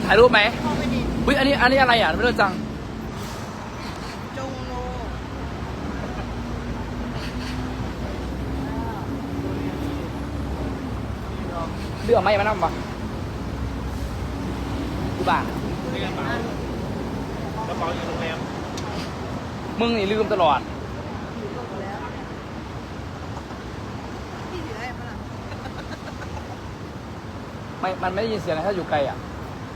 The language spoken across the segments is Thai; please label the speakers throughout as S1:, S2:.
S1: ถ่ายรูปไหม
S2: พ่อไม่ดี
S1: อุ้ยอันนี้อะไรอ่ะไม่รู้จัง
S2: จงโน
S1: เรื่องไม่มานั่งปะกูบ้า
S3: นี่กระเป๋ากระเป๋าอยู่โรงแรม
S1: มึงนี่ลืมตลอด
S2: พี่ถือให้ปะล่ะ
S1: มันไม่ได้ยินเสียงนะถ้าอยู่ไกลอ่ะ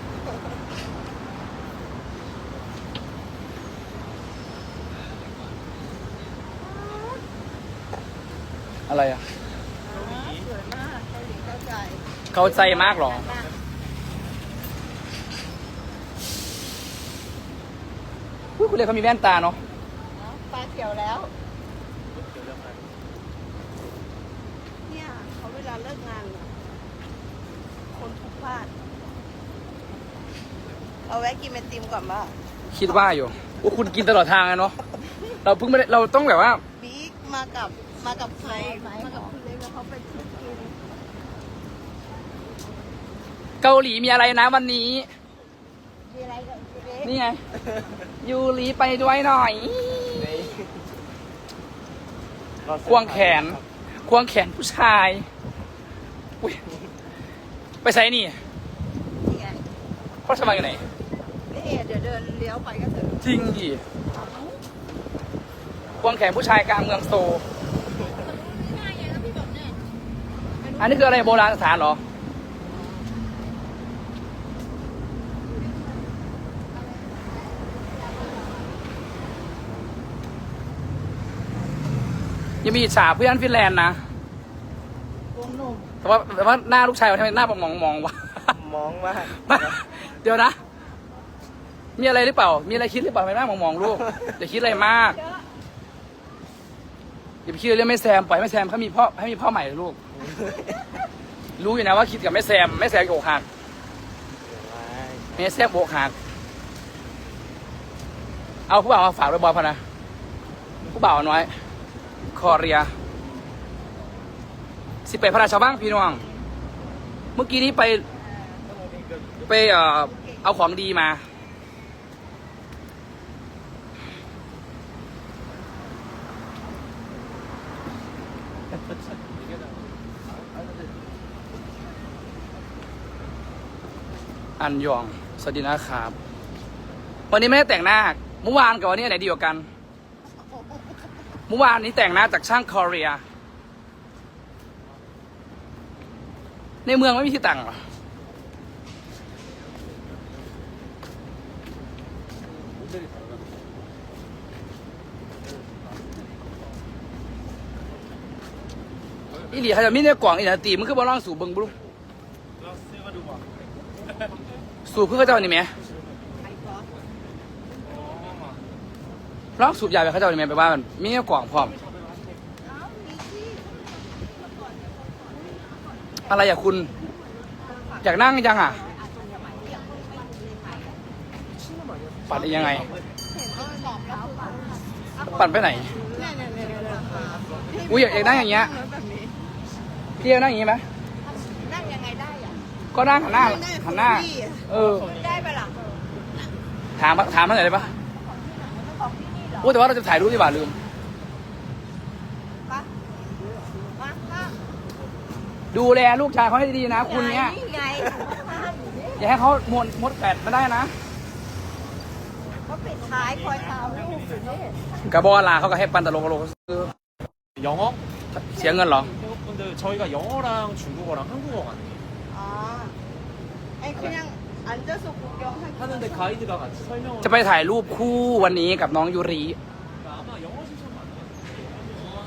S1: อะไรอ่ะ
S2: สวยมากเกาหลีเข้าใจ
S1: เข้าใจมากหรออุ๊ยคุณเรียกเขามีแว่นตาเนาะ
S2: ปลาเขียวแล้ว เนี่ยเขาเวลาเลิกงานอะคนทุกพลาดเอาแวะกินไอติมก่อนป่ะ
S1: คิดว่าอยู่ว่าคุณกินตลอดทางอะเนาะเราเพิ่งไม่ได้เราต้องแบบว่า
S2: บิ๊กมากับใครมากับคุณเล็กแล้วเขาไปชิมกิน
S1: เกาหลีมีอะไรนะวันนี้
S2: มีอะไรกับคุณเล็ก
S1: นี่ไง ยูรีไปด้วยหน่อย ควงแขน ควงแขนผู้ชายอุ๊ยไปใส่นี่
S2: นี่ไง
S1: พ่อสมัยอยู่ไหน
S2: พี่เอเดี๋ยวเดินเลี้ยวไปก็ถึง
S1: จริงดิควงแขนผู้ชายกลางเมืองโซลอันนี้คืออะไรโบราณสถานเหรอ ยังมีอิจฉาเพื่อนฟินแลนด์นะ
S2: วงหนุ่ม
S1: แต่ว่าหน้าลูกชายมันทำไมหน้ามองวะ
S3: มองมาก
S1: เดี๋ยวนะ มีอะไรหรือเปล่า มีอะไรคิดหรือเปล่าทำไมหน้ามองลูก อย่าคิดอะไรมาก อย่าไปคิดเรื่องแม่แซม ปล่อยแม่แซมเขามีพ่อให้มีพ่อใหม่ลูก รู้อยู่นะว่าคิดกับแม่แซมโอกหักแม่แซมโอกหัก เอาผู้บ่าวมาฝากไว้บอลพอนะ ผู้บ่าวน้อย คอเรีย18 พระราชาบ้างพี่น้อง เมื่อกี้นี้ไปเอาของดีมา อันยอง สวัสดีนะครับ วันนี้ไม่ได้แต่งหน้า เมื่อวานกับวันนี้อันไหนดีกว่ากัน เมื่อวานนี้แต่งหน้าจากช่างคอเรีย ในเมืองไม่มีที่แต่งหรอ อีหลีเขาจะมีในกล่องอีหลีตีมันคือบ่ลองสูบเบิ้งบุ้ง
S3: เราซื้อมาดูบ่
S1: สูบเพื่อเขาเจ้านี่ไหม
S2: ไอ้ก๊อฟ
S1: ลองสูบยาไปเขาเจ้านี่ไหมไปว่ามันมีในกล่องพร้อม
S2: เอ้ามีที่
S1: อะไรอยากคุณ อยากนั่งยังอ่ะ ปั่นได้ยังไง
S2: เห็นเขาตอบแล้วคือ
S1: ปั่นไปไหน
S2: เนี่ย
S1: อุ๊ยอยากนั่งอย่างเงี้ย
S2: แบบนี้
S1: พี่จะนั่งอย่างนี้ไหม
S2: นั่งยังไงได้อ่ะ
S1: ก็นั่งหันหน้า หันหน้า เออ
S2: ได้ปะล่ะ
S1: ถามท่านหน่อยได้ปะโอ้แต่ว่าเราจะถ่ายรูปดีกว่าลืม
S2: ปะมาค่ะ
S1: ดูแลลูกชายเขาให้ดีๆนะ คุณเนี้ย
S2: ไง
S1: อย่าให้เขามดแปดมาได้นะ
S2: เขาปิดท้ายคอยตามลูกอยู่นี่
S1: กระบอกลาเขาก็ให้ปันตลกซื้อ
S3: 영어?
S1: เสียเงินเหรอ
S3: 근데 저희가 영어랑 중국어랑 한국어가 아니에요.
S2: อ๋อไอ้คือยังอันเดอร์สุกุยองให้
S3: 하는데 가이드가 같이 설명을
S1: จะไปถ่ายรูปคู่วันนี้กับน้องยูริ
S3: 그러니까 아마 영어 실천 맞나요?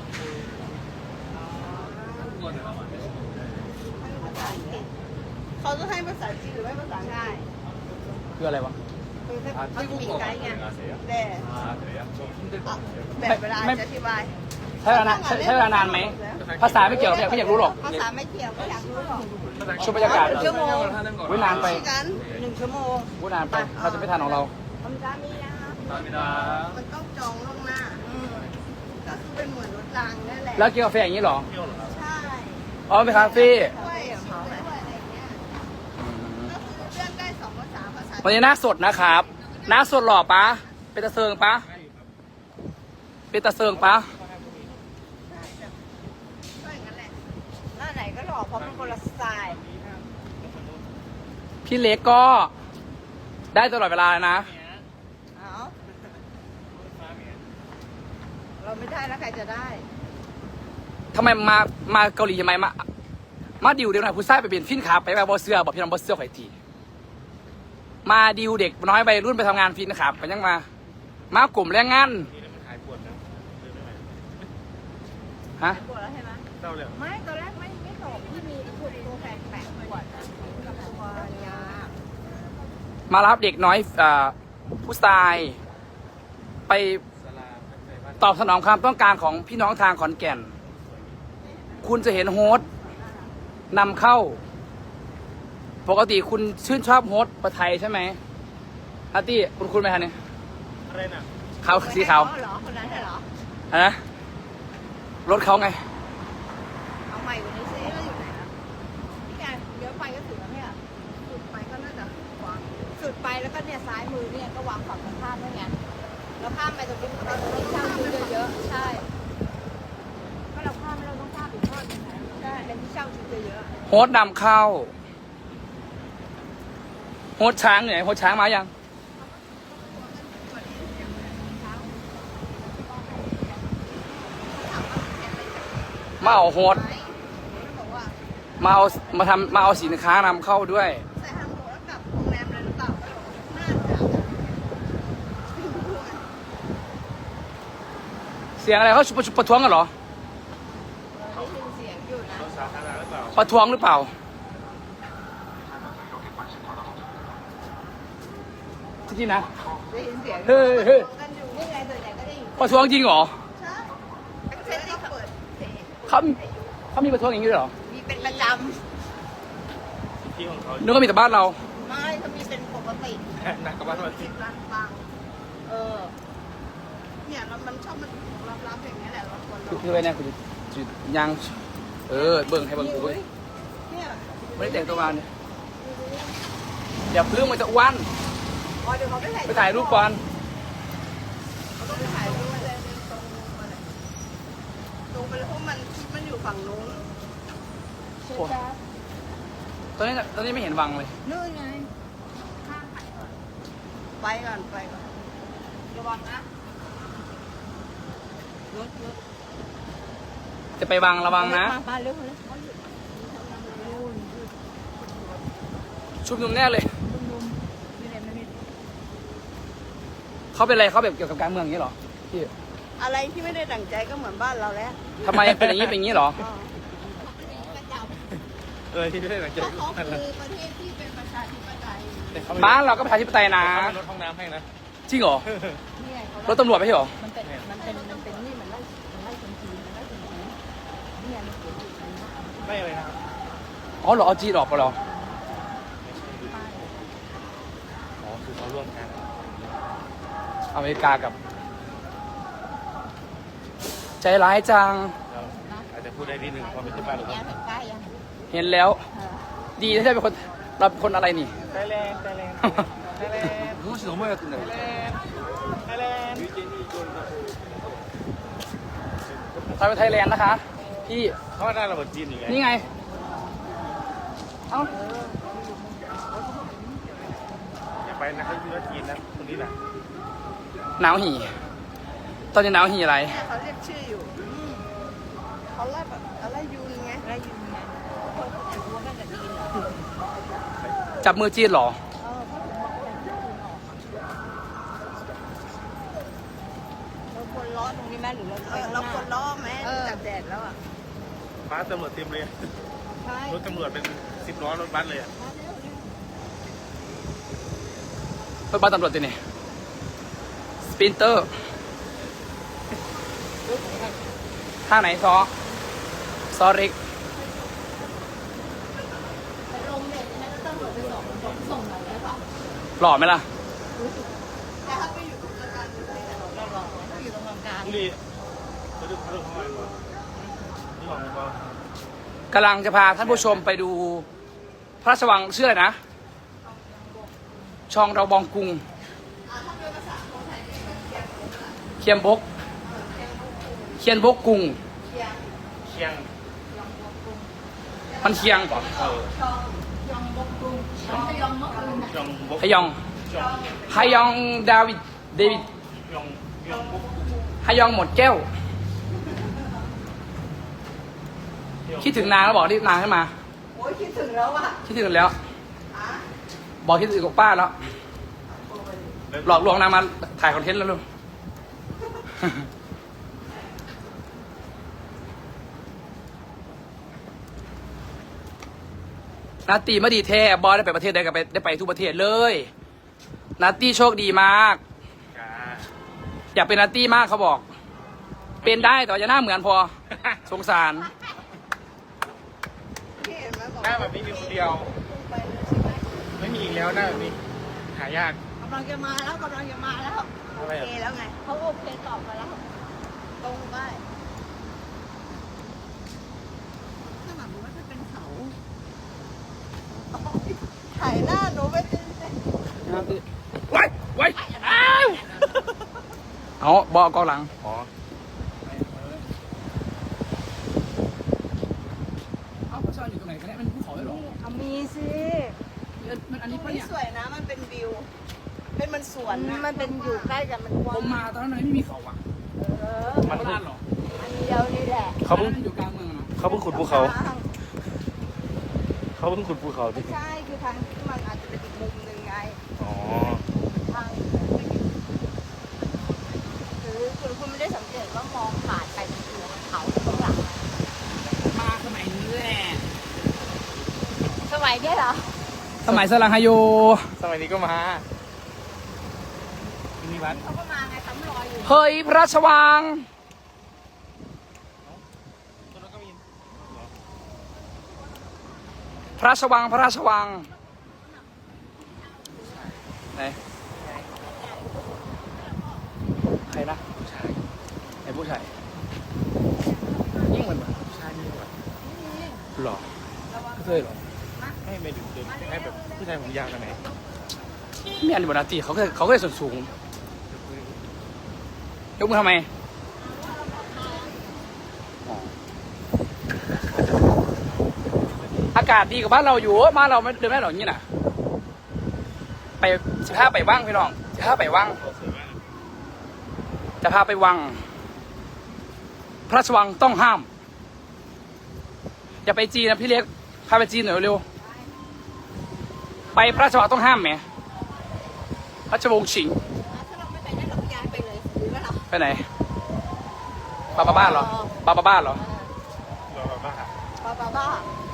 S2: เขาจะให้ภาษาจีนหรือไม่ภาษาไทย
S1: คืออะไรวะ
S2: คือถ้ามีไกด์ไง
S3: 아세요?
S2: แต่
S3: 아 그래요? 좀 힘들 것
S2: อ่ะ
S3: 같아요.
S2: แบบเวลาจะอธิบาย
S1: ใช้เวลานานไหม ภาษาไม่เกี่ยวไม่อยากรู้หรอก
S2: ภาษาไม่เกี่ยวก็อยากรู้หรอก
S1: ช่วงบรรยากาศ
S2: ชั่วโมง
S1: อุ๊ยนานไป
S2: คุยกัน1 ชั่วโมง
S1: พูดนานไปเราจะไม่ทันของเรา
S2: คำจามีนะคะ
S3: 감사합니다.
S2: มันต้องจองล่วงหน้าก็คือเป็นเหมือนรถรางนั่นแหละ
S1: แล้วกินกาแฟอย่างนี้เหรอ
S2: ใช่
S1: อ๋อเป็นคาเฟ่
S2: ด้วยของเขาด้วยอะไรเงี้ยก็คือเลื่อนได้2 ภาษาภา
S1: วันนี้หน้าสดนะครับหน้าสดหล่อปะเป็นตะเซิงปะเป็นตะเซิงปะ
S2: ก็อย่างนั้นแหละหน้าไหนก็หล่อเพราะมันคนละสไตล์
S1: พี่เล็กก็ได้ตลอดเวลานะ
S2: เอาเราไม่ได้แล้วใครจะได้
S1: ทำไมมาเกาหลีทำไมมาดิวเดี๋ยวหน่อยผู้ชายไปเปลี่ยนฟินขาไปแบบบอเสื้อบอกพี่น้องบอเสื้อข่อยทีมาดิวเด็กน้อยไปรุ่นไปทำงานฟินขาไปยังมากลุ่มแรงงาน
S3: นี่มันหายปวดนะเดินไม่ไหว
S1: ฮะ
S2: ปวดแล้วใช่ไหม
S3: เศร้าเลย
S2: ไม่ตอนแรกไม่ตอบที่มีปวดตัวแปลกๆปวดกับตัวยา
S1: มารับเด็กน้อยผู้ชายไป
S3: สลาใส่บ้าน
S1: ตอบสนองความต้องการของพี่น้องทางขอนแก่น คุณจะเห็นโฮสต์นำเข้า ปกติคุณชื่นชอบโฮสต์ประไทยใช่ไหมอาร์ตี้คุณไหมคะเนี่ย
S3: อะไรน่ะ
S1: ขาวสีขาว
S2: เหรอคนนั้นเหรอ
S1: อะนะรถเขาไง
S2: เอาใหม่กว่านี้ซิแล้วอยู่ไหนนะพี่แกเดี๋ยวไปก็ถึงแล้วเนี่ยสุดไปก็น่าจะวางสุดไปแล้วก็เนี่ยซ้ายมือเนี่ยก็วางฝั่งตรงข้ามด้วยไงแล้วข้ามไปตรงนี้เราที่เช่าชุดเยอะๆใช่ก็เราข้ามเราต้องข้ามอีกทอดนึงนะใช่ในที่เช่าชุดเยอะ
S1: โฮสต์นำเข้า โฮสต์ช้างอยู่ไหนโฮสต์ช้างมายัง มาเอาโฮสต์
S2: ๆบอกว่า
S1: มาเอาสินค้านำเข้าด้วย
S2: ใส่ทางโหแล้วกลับโรงแรมเลยหรือเปล่าน่าจะ
S1: เสียงอะไรเขาประท้วงกันเหรอ
S2: ได้ยินเสียงอยู่นะ
S3: รถสาธารณะหรือเปล่า
S1: ประท้วงหรือเปล่าจริงๆนะ
S2: ได้ยินเสียง
S1: เฮ้ยเฮ้ย
S2: กันอยู่นี่ไงส่วนใหญ่ก็ได้ยิน
S1: ประท้วงจริงเหรอ
S2: ใช่เซ็นที่เปิดเพลง
S1: เขามีประท้วงอย่างนี้ด้วยเหรอ
S2: มีเป็นประจ
S3: ที่ของเขา
S1: นึกว่ามีแต่บ้านเรา
S2: ำไม่เขามีเป็นปกติ
S3: หนักกว่าบ้านเรา
S2: สิบล้านฟังเนี่ยมันชอบมันรับอย่างเงี้ยแหละเราควร
S1: คือไว้เนี่ยคือยังเบิ่งให้เบิ่งกูเว้ย
S2: เนี่ย
S1: ไม่ได้แต่งตัวมาเนี่ยเดี๋ยวเรื่องมันจะอ้วน
S2: อ๋อเดี๋ยวเขาไป
S1: ไปถ่ายรูปก่อน
S2: เขาต้องไปถ่ายรูปเลยตรงไปเลยเพราะมันคิดมันอยู่ฝั่งนู้น
S1: โอ้ตอนนี้ไม่เห็นวังเลย
S2: นู่นไงข้ามไปก่อนไปก่อนระวังนะรถ
S1: จะไปวังระวังนะ
S2: มาเร็วเลย
S1: ชุบนุมแน่เลย
S2: นี่เลยมันมี
S1: เขาเป็นอะไรเขาแบบเกี่ยวกับการเมืองอย่างนี้เหรอพี่
S2: อะไรที่ไม่ได้ดั่งใจก็เหมือนบ้านเราแล้ว
S1: ทำไมเป็นอย่างนี้เป็นอย่างนี้เหรอ
S3: ที่ไม่ได้หลังจาก
S2: เพราะเขาคือประเทศที่เป็นประชาธิปไตย
S1: บ้านเราก็ประชาธิปไตยนะ
S3: รถห้องน้ำให้นะ
S1: จริงเหรอ
S2: นี่ไงเขา
S1: รถตำรวจไม่ใช่เหรอ
S2: มันเป็นนี่มันไล่คนจีนมันไล่คนจีนนี่ไงมันเขียนอยู่ตรงนี้
S3: ไม่อะไรนะครับ
S1: อ๋อเหรอเอาจีนออกไปเหรอ
S3: อ๋อคือเขาร่วมกัน
S1: อเมริกากับ ใจร้ายจัง
S3: เราอาจจะพูดได้นิดนึงพอเป็นที่บ้านเรา
S2: แย่ถึงใกล้ยัง
S1: เห็นแล้ว ดีที่ได้เป็นคนเราเป็นคนอะไรนี่
S3: ไทยแลนด์ไทยแลนด์ไทยแลนด์
S1: รู้สึกว่าจะเหนื่อย
S3: ไทยแลนด์
S1: เราไปไทยแลนด์นะคะ พี่
S3: เขาว่าได้ระเบิดจีนอยู่ไง
S1: นี่ไง เอ้า
S3: อย่าไปนะเขาอยู่จีนนะคนนี้แหละ
S1: หนาวหี่ตอนนี้หนาวหี่อะไร
S2: เนี่ยเขาเรียกชื่ออยู่เขาไล่แบบอะไรยูนไงไล่ยูนไงคนเขาจะรู้ว่าน่าจะดีเหรอ
S1: จับมือจีนเหรอ
S2: เราควรล้อตรงนี้ไหมหรือเราควรล้อไหมจับแดดแล้วอ่ะ
S3: ฟ้าตำรวจเต็มเลย
S2: ใช่
S3: รถตำรวจเป็น10 ล้อรถบัสเลยอ่ะ
S1: รถบัสตำรวจตัวนี้สปินเตอร์ท่าไหนซอริก
S2: ลงเด็ดนะตำรวจไปส่งหน่อยได้ป่ะ
S1: หล่อไหมล่ะ
S2: แต่ถ้าไปอยู่ตรงกลางเราลองถ้าอยู่ตรงกลาง
S3: บุรีเขาดูเขาดูเขาอะไรก่อนนี่ของเขา
S1: กำลังจะพาท่านผู้ชมไปดูพระราชวังชื่ออะไรนะ ชชองเราบองกุงเคียมบกเคียนบกกุง
S3: เชียง
S1: มันเคียงป่ะ
S2: ยองบกกรุงยองมะกรุง
S3: ยองบก
S1: ฮยอง
S3: ยอง
S1: ฮยองดาวิดเดวิด
S3: ยองยองบก
S1: ฮยองหมดแก้ว คิดถึงนางแล้วบอกรีบนางให้มา
S2: โอ้ยคิดถึงแล้วว่ะ
S1: คิดถึงแล้ว บอกคิดถึงกับป้าแล้ว หลอกลวงนางมาถ่ายคอนเทนต์แล้วลูก นาตีมาดีแท้บอสได้ไปประเทศใดก็ได้ไปทุกประเทศเลยนาตีโชคดีมาก
S3: จ้า
S1: อยากเป็นนาตี้มากเขาบอก เป็นได้แต่ว่าจะหน้าเหมือนพอ สงสาร
S2: พี่เห็นไหมบอก
S3: หน้าแบบนี้มีคนเดียว
S2: ไปเลยใช่ไหม
S3: ไม่มีอีกแล้วหน้าแบบนี้หายาก
S2: กำลังจะมาแล้วกำลังจะมาแล้วโอ
S3: อะไร
S2: เค
S3: อ่ะ
S2: แล้วไงเขาโอเคตอบมาแล้ว ตรงไปข้างหลังหนูว่าจะเป็นเขาถ่ายหน้าหนูไม่เป็นเส้น
S1: ไว้ไว้อ้าวเอาบอกกองหลัง
S3: อ๋อ
S1: เอาพระชอนอยู่ตรงไหนกันเนี่ยมันภูเขาเลยหรอ
S2: เอามีสิ
S1: มันอันนี้ปะ
S2: นี่
S1: เนี่ย
S2: สวยนะ มันเป็นวิว เป็นมันสวนนะ มันเป็นอยู่ใกล้กันมันก
S1: ผ
S2: ว้าง
S1: มมาตอนนั้นไม่มีเขาอ่ะ
S2: เออ
S1: มันลาดหรอ
S2: อันเดียวนี่แหละ
S3: เขาเพิ่ง
S1: อันนั้นมันอยู่กลางเมืองอะเนาะ
S3: เขาเพิ่งขุดภูเขาเขาเพิ่งขุดภูเขา
S2: ไม่
S3: ดิ
S2: ใช่ คือทางที่มันอาจจะเป็นอีกมุมหนึ่งไง
S3: อ๋อ
S2: ทางหรือคุณไม่ได้สังเกตว่ามองผ่านไปเป็นตัวเขาข้างหลัง
S1: มาสมัยนี้แหละ
S2: สมัยเนี้ยเหรอ
S1: สมัยสลังฮาโย
S3: สมัยนี้ก็มามีวัด
S2: เขาก็มาไงซ้ำรอยอยู่
S1: เฮ้ยพระราชวัง
S3: ตรงนั้นก็มี
S1: พระราชวังพระราชวังไหนใครนะผู้ชายไอ้ผู้ชายยิ่งเหมือนแบบ
S3: ใช่มีวัด
S1: หรอเคยหรอ
S3: ให้ไม่ดึกเดินให้แบบผู้ชายผมยาวกันไหน
S1: มีอันบนาตีเขาเคยส่วนสูงยกมือทำไมอ๋ออากาศดีกว่าบ้านเราอยู่บ้านเราไม่เดินไม่ได้หรอกอย่างนี้น่ะไป15ไปว่างพี่น้อง15ไปว่าง
S3: เขาสวยมาก
S1: จะพาไปวัง พระราชวังต้องห้าม อย่าไปจีนนะพี่เล็ก พาไปจีนหน่อยเร็ว ไปพระราชวังต้องห้ามไหมพระราชวงศ์ฉิง
S2: ถ้าเราไม่ไปได้เราก็ย้ายไปเลยหรือว่าเรา
S1: ไปไหนบาบาบ้านเหรอบาบาบ้านเหรอ
S3: เราแบบว่า
S2: บ้า